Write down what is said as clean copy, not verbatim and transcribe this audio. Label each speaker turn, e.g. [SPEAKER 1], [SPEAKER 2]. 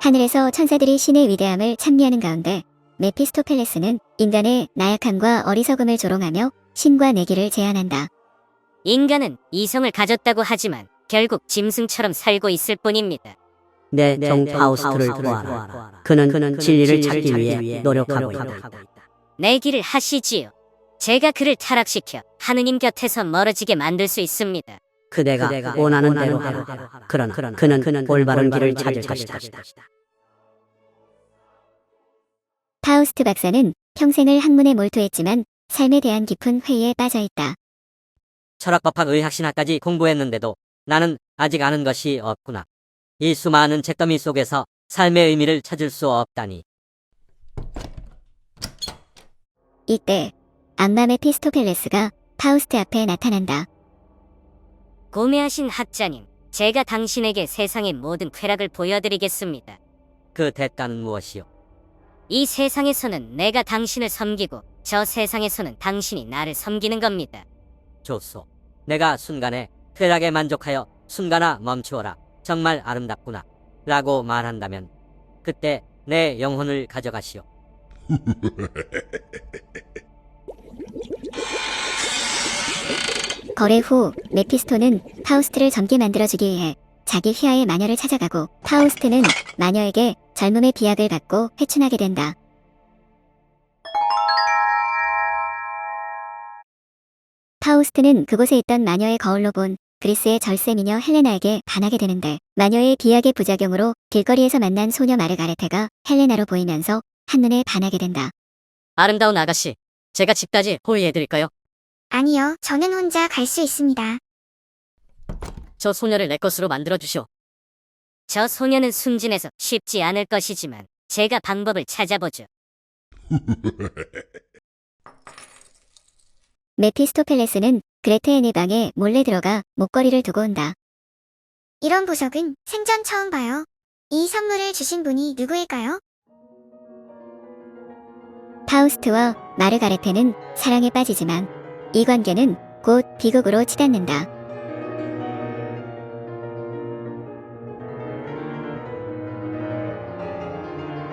[SPEAKER 1] 하늘에서 천사들이 신의 위대함을 찬미하는 가운데 메피스토펠레스는 인간의 나약함과 어리석음을 조롱하며 신과 내기를 제안한다.
[SPEAKER 2] 인간은 이성을 가졌다고 하지만 결국 짐승처럼 살고 있을 뿐입니다.
[SPEAKER 3] 내 종 파우스트를 구하라. 그는 진리를 찾기 위해 노력하고 있다.
[SPEAKER 2] 내기를 하시지요. 제가 그를 타락시켜 하느님 곁에서 멀어지게 만들 수 있습니다.
[SPEAKER 3] 그대가 원하는 대로 하라. 그러나 그는 올바른 길을 찾을 것이다.
[SPEAKER 1] 파우스트 박사는 평생을 학문에 몰두했지만 삶에 대한 깊은 회의에 빠져있다.
[SPEAKER 4] 철학법학 의학신학까지 공부했는데도 나는 아직 아는 것이 없구나. 이 수많은 책더미 속에서 삶의 의미를 찾을 수 없다니.
[SPEAKER 1] 이때 악마 메피스토펠레스가 파우스트 앞에 나타난다.
[SPEAKER 2] 고매하신 학자님, 제가 당신에게 세상의 모든 쾌락을 보여드리겠습니다.
[SPEAKER 4] 그 대가는 무엇이요?
[SPEAKER 2] 이 세상에서는 내가 당신을 섬기고 저 세상에서는 당신이 나를 섬기는 겁니다.
[SPEAKER 4] 좋소. 내가 순간에 쾌락에 만족하여 순간아 멈추어라. 정말 아름답구나. 라고 말한다면 그때 내 영혼을 가져가시오.
[SPEAKER 1] 거래 후 메피스토는 파우스트를 젊게 만들어주기 위해 자기 휘하의 마녀를 찾아가고 파우스트는 마녀에게 젊음의 비약을 받고 회춘하게 된다. 파우스트는 그곳에 있던 마녀의 거울로 본 그리스의 절세 미녀 헬레나에게 반하게 되는데 마녀의 비약의 부작용으로 길거리에서 만난 소녀 마르가레테가 헬레나로 보이면서 한눈에 반하게 된다.
[SPEAKER 2] 아름다운 아가씨, 제가 집까지 호위해드릴까요?
[SPEAKER 5] 아니요, 저는 혼자 갈 수 있습니다.
[SPEAKER 2] 저 소녀를 내 것으로 만들어주시오. 저 소녀는 순진해서 쉽지 않을 것이지만 제가 방법을 찾아보죠.
[SPEAKER 1] 메피스토펠레스는 그레테의 방에 몰래 들어가 목걸이를 두고 온다.
[SPEAKER 5] 이런 보석은 생전 처음 봐요. 이 선물을 주신 분이 누구일까요?
[SPEAKER 1] 파우스트와 마르가레테는 사랑에 빠지지만 이 관계는 곧 비극으로 치닫는다.